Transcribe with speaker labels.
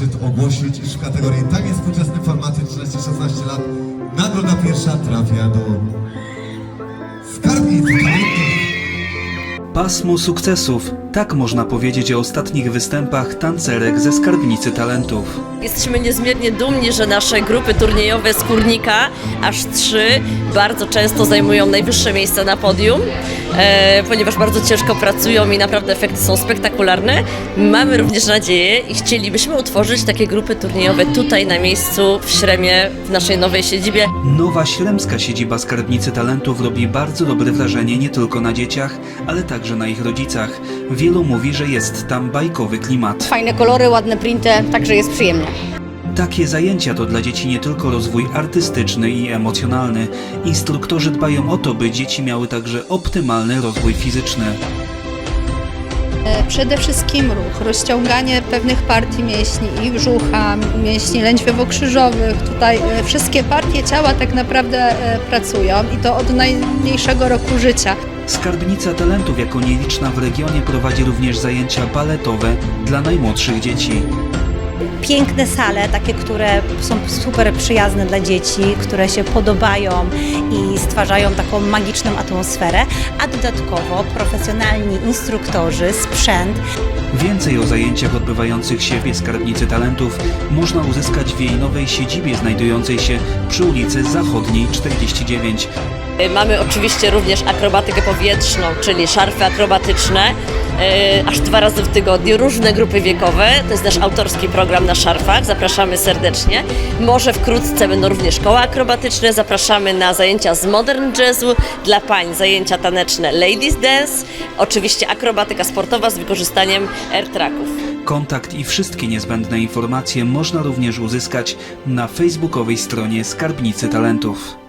Speaker 1: zaszczyt ogłosić, iż w kategorii taniec współczesny formaty 13-16 lat nagroda pierwsza trafia do Skarbnicy Talentów.
Speaker 2: Pasmo sukcesów. Tak można powiedzieć o ostatnich występach tancerek ze Skarbnicy Talentów.
Speaker 3: Jesteśmy niezmiernie dumni, że nasze grupy turniejowe z Kurnika, aż 3, bardzo często zajmują najwyższe miejsca na podium, ponieważ bardzo ciężko pracują i naprawdę efekty są spektakularne. Mamy również nadzieję i chcielibyśmy utworzyć takie grupy turniejowe tutaj na miejscu w Śremie, w naszej nowej siedzibie.
Speaker 2: Nowa śremska siedziba Skarbnicy Talentów robi bardzo dobre wrażenie nie tylko na dzieciach, ale także na ich rodzicach. Wielu mówi, że jest tam bajkowy klimat.
Speaker 4: Fajne kolory, ładne printy, także jest przyjemnie.
Speaker 2: Takie zajęcia to dla dzieci nie tylko rozwój artystyczny i emocjonalny. Instruktorzy dbają o to, by dzieci miały także optymalny rozwój fizyczny.
Speaker 5: Przede wszystkim ruch, rozciąganie pewnych partii mięśni i brzucha, mięśni lędźwiowo-krzyżowych. Tutaj wszystkie partie ciała tak naprawdę pracują i to od najmniejszego roku życia.
Speaker 2: Skarbnica Talentów jako nieliczna w regionie prowadzi również zajęcia baletowe dla najmłodszych dzieci.
Speaker 6: Piękne sale, takie, które są super przyjazne dla dzieci, które się podobają i stwarzają taką magiczną atmosferę, a dodatkowo profesjonalni instruktorzy, sprzęt.
Speaker 2: Więcej o zajęciach odbywających się w Skarbnicy Talentów można uzyskać w jej nowej siedzibie znajdującej się przy ulicy Zachodniej 49.
Speaker 3: Mamy oczywiście również akrobatykę powietrzną, czyli szarfy akrobatyczne, aż 2 razy w tygodniu, różne grupy wiekowe. To jest nasz autorski program na szarfach, zapraszamy serdecznie. Może wkrótce będą również koła akrobatyczne, zapraszamy na zajęcia z modern jazzu, dla pań zajęcia taneczne ladies dance, oczywiście akrobatyka sportowa z wykorzystaniem air-tracków.
Speaker 2: Kontakt i wszystkie niezbędne informacje można również uzyskać na facebookowej stronie Skarbnicy Talentów.